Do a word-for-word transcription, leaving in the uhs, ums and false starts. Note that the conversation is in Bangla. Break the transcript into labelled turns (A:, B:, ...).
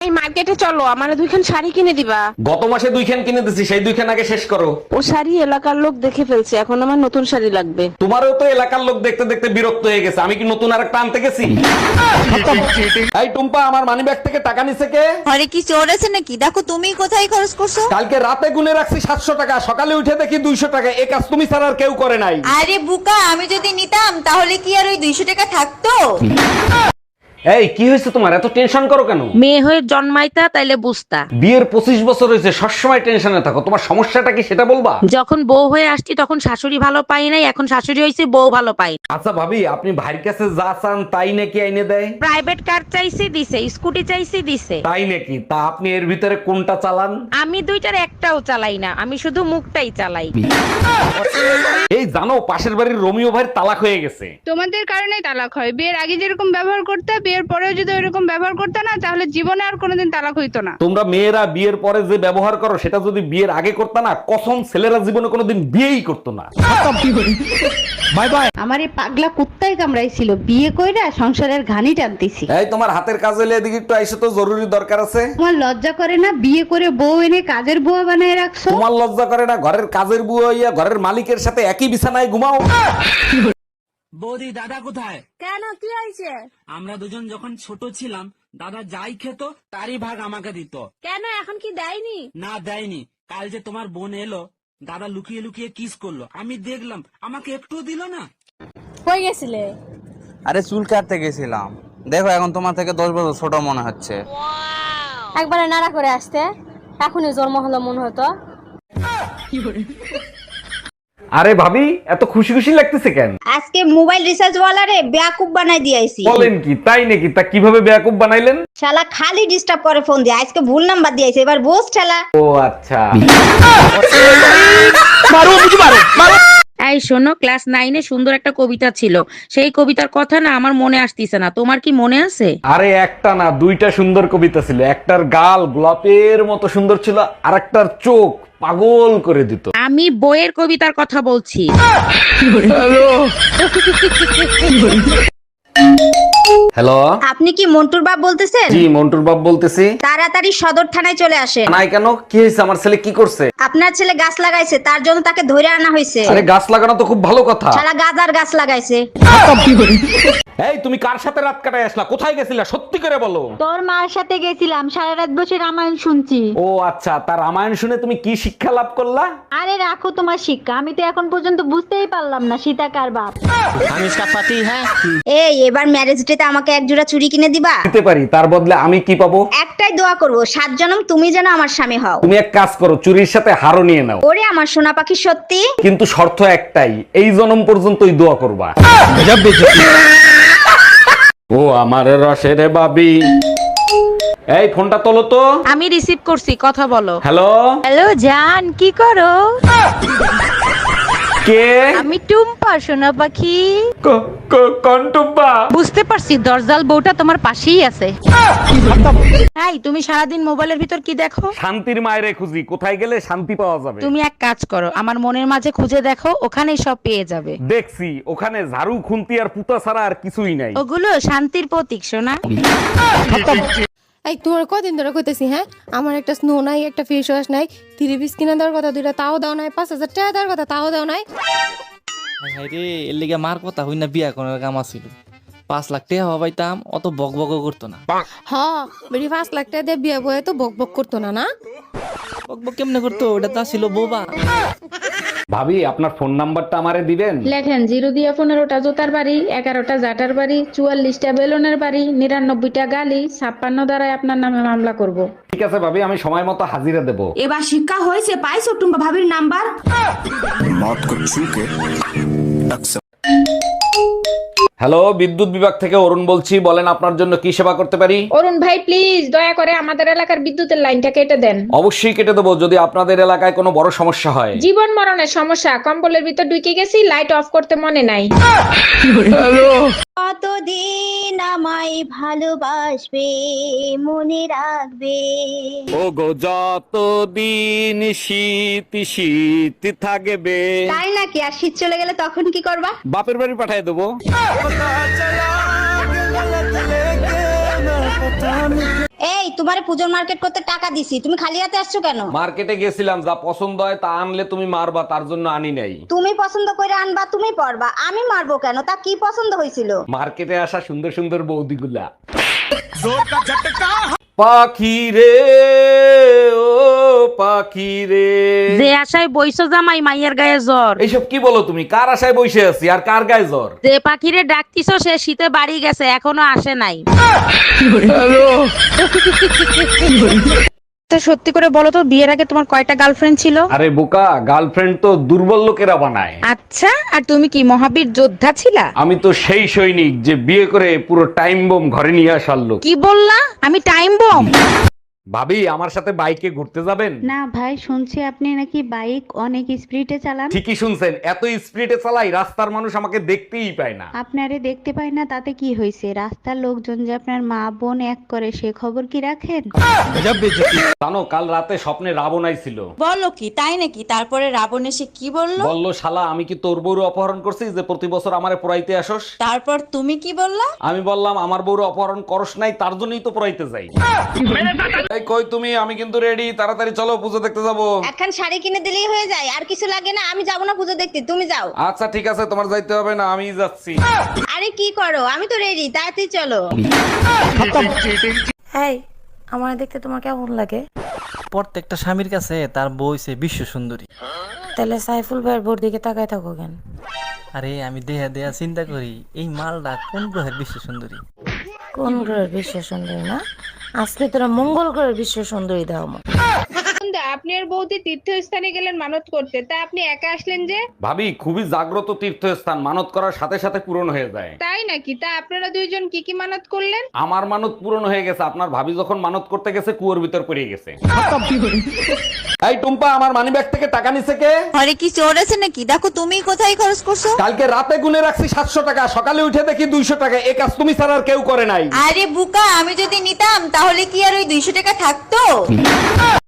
A: এই মার্কেটে চলো, আমারে দুইখান শাড়ি কিনে দিবা।
B: গত মাসে দুইখান কিনে দিছি, সেই দুইখান আগে শেষ করো।
A: ও শাড়ি এলাকার লোক দেখে ফেলছে, এখন আমার নতুন শাড়ি লাগবে।
B: তোমারও তো এলাকার লোক দেখতে দেখতে বিরক্ত হয়ে গেছে, আমি কি নতুন আরেকটা আনতে গেছি? এই টুম্পা, আমার মানি ব্যাগ থেকে টাকা নিছে কে?
C: আরে কি চোর আছে নাকি? দেখো তুমি কোথায় খরচ করছো।
B: কালকে রাতে গুনে রাখছি সাতশো টাকা, সকালে উঠে দেখি দুইশো টাকা। এ কাজ তুমি ছাড়া আর কেউ করে নাই।
C: আরে বুকা, আমি যদি নিতাম তাহলে কি আর ওই দুইশো টাকা থাকতো?
B: এই কি হয়েছে তোমার, এত টেনশন করো কেন?
A: মেয়ে হয়ে জন্মাইতা তাইলে বুঝতা।
B: বিয়ের পঁচিশ বছর হয়েছে, সবসময় টেনশনে থাকো। তোমার সমস্যাটা কি সেটা বলবা?
A: যখন বউ হয়ে আসছি তখন শাশুড়ি ভালো পাই নাই, এখন শাশুড়ি হয়েছে বউ ভালো পাই।
B: আচ্ছা ভাবি, আপনি ভাইয়ের কাছে যা চান তাই নাকি আইনে দেয়?
A: প্রাইভেট কার চাইছি দিছে, স্কুটি চাইছি দিছে।
B: তাই নাকি? তা আপনি এর ভিতরে কোনটা চালান?
A: আমি দুইটার একটাও চালাই না, আমি শুধু মুখটাই চালাই।
B: এই জানো, পাশের বাড়ির রোমিও ভাইয়ের তালাক হয়ে গেছে।
D: তোমাদের কারণে তালাক হয়। বিয়ের আগে যেরকম ব্যবহার করতে, বিয়ের পরেও যদি ওইরকম ব্যবহার করতে না, তাহলে জীবনে আর কোনোদিন তালাক হইতো না।
B: তোমরা মেয়েরা বিয়ের পরে যে ব্যবহার করো, সেটা যদি বিয়ের আগে করতে না, কসম ছেলেরা জীবনে কোনোদিন বিয়েই করতো না। Bye bye.
E: আমার এই পাগলা কুত্তায় কামড়াইছিল, বিয়ে কইরা সংসারের ঘানি টানতেছি।
B: এই তোমার হাতের কাজ হলে এদিকে একটু আইসো তো, জরুরি দরকার আছে।
E: তোমার লজ্জা করে না? বিয়ে করে বউ এনে কাজের বুয়া বানায় রাখছো।
B: তোমার লজ্জা করে না? ঘরের কাজের বুয়া হইয়া ঘরের মালিকের সাথে একই বিছানায় ঘুমাও।
F: বৌদি, দাদা কোথায়?
C: কেন, কি হয়েছে?
F: আমরা দুজন যখন ছোট ছিলাম, দাদা যাই খেত তারই ভাগ আমাকে দিত।
C: কেন, এখন কি দেয়নি?
F: না, দেয়নি। কাল যে তোমার বোন এলো, দাদা লুকিয়ে লুকিয়ে কিস করলো, আমি দেখলাম, আমাকে একটুও দিল না।
C: কই গেছিলে?
G: আরে চুল কাটতে গেছিলাম। দেখো এখন তোমার থেকে দশ বছর ছোট মনে হচ্ছে।
C: একবারে নাড়া করে আসতে, এখনই জন্ম হলো মনে হতো।
B: আরে ভাবি, এত খুশি খুশি লাগতেছে কেন?
E: আজকে মোবাইল রিচার্জ ওয়ালারে বেয়াকুব বানাই দিয়েছি।
B: বলেন কি? তাই নাকি? তা কিভাবে বেয়াকুব বানাইলেন?
E: শালা খালি ডিস্টার্ব করে ফোন দিয়ে, আজকে ভুল নাম্বার দিয়েছে, এবার বোস ঠেলা।
B: ও আচ্ছা।
A: এই শোনো, ক্লাস নাইনে সুন্দর একটা কবিতা ছিল, সেই কবিতার কথা না আমার মনে আসতিছে না, তোমার কি মনে আছে?
B: আরে একটা না, দুইটা সুন্দর কবিতা ছিল। একটার গাল গোলাপের মতো সুন্দর ছিল, আর একটার চোখ পাগল করে দিত।
A: আমি বইয়ের কবিতার কথা বলছি।
B: হ্যালো,
E: আপনি কি মন্টুর বাপ বলতেছেন?
B: জি মন্টুর বাপ বলতেছি।
E: তাড়াতাড়ি সদর থানায় চলে আসেন।
B: নাই কেন, কি হয়েছে? আমার ছেলে কি করছে?
E: আপনার ছেলে গাছ লাগাইছে, তার জন্য তাকে ধরে আনা হয়েছে।
B: আরে গাছ লাগানো তো খুব ভালো কথা।
E: শালা গাজার গাছ লাগাইছে।
B: এই তুমি কার সাথে রাত কাটায় আসলা? কোথায় গেছিলা? সত্যি করে বলো।
E: তোর মার সাথে গেছিলাম, সারা রাত বসে রামায়ণ শুনছি।
B: ও আচ্ছা, তার রামায়ণ শুনে তুমি কি শিক্ষা লাভ করলা?
E: আরে রাখো তোমার শিক্ষা, আমি তো এখন পর্যন্ত বুঝতেই পারলাম না সীতা কার বাপ।
F: আমি ইসকা পাতি হ্যাঁ।
E: এই এবার ম্যারেজ ডেতে আমাকে এক জোড়া চুড়ি কিনে দিবা?
B: দিতে পারি, তার বদলে আমি কি পাবো?
E: একটাই দোয়া করব, সাত জনম তুমি যেন আমার স্বামী হও।
B: তুমি এক কাজ করো, চুরির সাথে হারও নিয়ে নাও।
E: ওরে আমার সোনা পাখি, সত্যি?
B: কিন্তু শর্ত একটাই, এই জনম পর্যন্তই দোয়া করবা। ও আমার রসের বাবি, এই ফোনটা তোলো তো।
A: আমি রিসিভ করছি, কথা বলো।
B: হ্যালো।
A: হ্যালো জান, কি করো?
B: কে?
A: আমি টুম্পা, সোনা পাখি।
B: ক- ক- কোন টুম্পা?
A: বুঝতে পারছি, দরজাল বউটা তোমার পাশেই আছে। এই তুমি সারাদিন মোবাইলের ভিতর কি দেখো?
B: শান্তির মায়েরে খুঁজি, কোথায় গেলে শান্তি পাওয়া যাবে।
A: তুমি এক কাজ করো, আমার মনের মাঝে খুঁজে দেখো, ওখানেই সব পেয়ে যাবে।
B: দেখছি, ওখানে ঝাড়ু খুন্তি আর পুতা ছাড়া আর কিছুই নাই।
A: ওগুলো শান্তির প্রতীক, সোনা।
H: এই তোমার কদিন ধরে কইতেছি, হ্যাঁ আমার একটা স্নো নাই, একটা ফেস ওয়াশ নাই, থ্রি পিস কিনে দেওয়ার কথা, দুইটা তাও দাও নাই, পাঁচ হাজার টাকা দেওয়ার কথা, তাও দাও নাই।
I: রে এর লিগে মার কথা হই না, বিয়া করার কাম আছিল। পাঁচ লাখ টাকা হবাইতাম, অত বক বক করতো না।
H: হ বেরি পাঁচ লাখ টাকা দিয়ে বিয়ে বয়ে তো বক বক করতো না। না
I: বক বক কেমনে করতো? ওটা তো ছিল বোবা।
B: ভাবি, আপনার ফোন নাম্বারটা আমারে দিবেন?
J: লেখেন জিরো দিয়া পনেরোটা জোতার বাড়ি, এগারোটা জাটার বাড়ি, চুয়াল্লিশটা বেলুনের বাড়ি, নিরানব্বইটা গালি, ছাপ্পান্ন দ্বারাই আপনার নামে মামলা করব।
B: ঠিক আছে ভাবি, আমি সময় মতো হাজিরা দেব।
E: এবার শিক্ষা হয়েছে, পাইছো টুম্পা ভাবির নাম্বার?
B: হ্যালো, বিদ্যুৎ বিভাগ থেকে অরুণ বলছি, বলেন আপনার জন্য কি সেবা করতে পারি?
J: অরুণ ভাই প্লিজ দয়া করে আমাদের এলাকার বিদ্যুতের লাইনটা কেটে দেন।
B: অবশ্যই কেটে দেবো, যদি আপনাদের এলাকায় কোনো বড় সমস্যা হয়।
J: জীবন মরণের সমস্যা, কম্বলের ভিতর ঢুকে গেছি, লাইট অফ করতে মনে নাই।
E: কতদিন আমায় ভালোবাসবে, মনে রাখবে।
B: ও গো যতদিন শীত শীত থাকবে।
E: তাই নাকি? আর শীত চলে গেলে তখন কি করবা?
B: বাপের বাড়ি পাঠিয়ে দেবো।
C: এই তোমারে পূজোর মার্কেট করতে টাকা দিছি, তুমি খালি হাতে আসছো কেন?
B: মার্কেটে গেছিলাম, যা পছন্দ হয় তা আনলে তুমি মারবা, তার জন্য আনি নাই।
C: তুমি পছন্দ করে আনবা, তুমি পরবা, আমি মারবো কেন? তা কি পছন্দ হয়েছিল?
B: মার্কেটে আসা সুন্দর সুন্দর বৌদিগুলা। পাখি রে ও পাখি রে,
A: যে আশায় বইছো জামাই মাইয়ের গায়ে জ্বর।
B: এইসব কি বলো তুমি? কার আশায় বসে আছি আর কার গায়ে জ্বর?
A: যে পাখিরে ডাকতিছো সে শীতে বাড়ি গেছে, এখনো আসে নাই। তা সত্যি করে বলো তো, বিয়ের আগে তোমার কয়টা গার্লফ্রেন্ড ছিল?
B: আরে বোকা, গার্লফ্রেন্ড তো দুর্বল লোকেরা বানায়।
A: আচ্ছা, আর তুমি কি মহাবীর যোদ্ধা ছিলা?
B: আমি তো সেই সৈনিক যে বিয়ে করে পুরো টাইম বোম ঘরে নিয়ে আসার লোক।
A: কি বললা? আমি টাইম বম?
B: ভাবি, আমার সাথে বাইকে ঘুরতে যাবেন?
E: না ভাই, শুনছি আপনি নাকি বাইক অনেক স্পিডে চালান।
B: ঠিকই শুনছেন, এত স্পিডে চালাই রাস্তার মানুষ আমাকে দেখতেই পায় না।
E: আপনারে দেখতে পাই না তাতে কি হয়েছে? রাস্তার লোকজন যে আপনার মা বোন এক করে সে খবর কি রাখেন?
B: জানো, কাল রাতে স্বপ্নে রাবণ আইছিল।
C: বলো কি, তাই নাকি? তারপরে রাবণ এসে কি বললো?
B: বললো, শালা আমি কি তোর বউর অপহরণ করছি যে প্রতি বছর আমারে পড়াইতে আসোস?
C: তারপর তুমি কি বললা?
B: আমি বললাম, আমার বউর অপহরণ করস নাই, তার জন্যই তো পড়াইতে যাই। এই কই তুমি? আমি কিন্তু রেডি, তাড়াতাড়ি চলো, পুজো দেখতে যাবো।
C: একখান শাড়ি কিনে দিলেই হয়ে যায়, আর কিছু লাগে না। আমি যাবো না পুজো দেখতে, তুমি যাও।
B: আচ্ছা ঠিক আছে, তোমার যাইতে হবে না, আমি যাচ্ছি।
C: আরে কি করো, আমি তো রেডি, তাড়াতাড়ি চলো।
H: এই আমার দেখতে তোমার কেমন লাগে?
I: প্রত্যেকটা স্বামীর কাছে তার বউ হইছে বিশ্ব সুন্দরী।
H: তাহলে সাইফুল ভাইয়ের বোর দিকে তাকায় থাকো কেন?
I: আরে আমি দেহা দেহা চিন্তা করি, এই মালটা কোন গ্রহের বিশ্ব সুন্দরী?
H: কোন গ্রহের বিশ্ব সুন্দরী না? আজকে তোরা মঙ্গল গ্রহের বিশ্ব সুন্দরী দাও।
D: আপনি আর বৌদি তীর্থস্থানে গেলেন মানত করতে, তা আপনি একা আসলেন যে?
B: ভাবি, খুবই জাগ্রত তীর্থস্থান, মানত করার সাথে সাথে পূরণ হয়ে যায়।
D: তাই নাকি? তা আপনারা দুইজন কি কি মানত করলেন?
B: আমার মানত পূরণ হয়ে গেছে, আপনার ভাবি যখন মানত করতে গেছে কুয়োর ভিতর পড়ে গেছে। এই টুম্পা, আমার মানিব্যাগ থেকে টাকা নিছে কে?
C: ঘরে কি চোর আছে নাকি? দেখো তুমি কোথায় খরচ করছো।
B: কালকে রাতে গুনে রাখছি সাতশো টাকা, সকালে উঠে দেখি দুইশো টাকা। এই কাজ তুমি ছাড়া আর কেউ করে নাই।
C: আরে বুকা, আমি যদি নিতাম তাহলে কি আর ওই দুইশো টাকা থাকতো?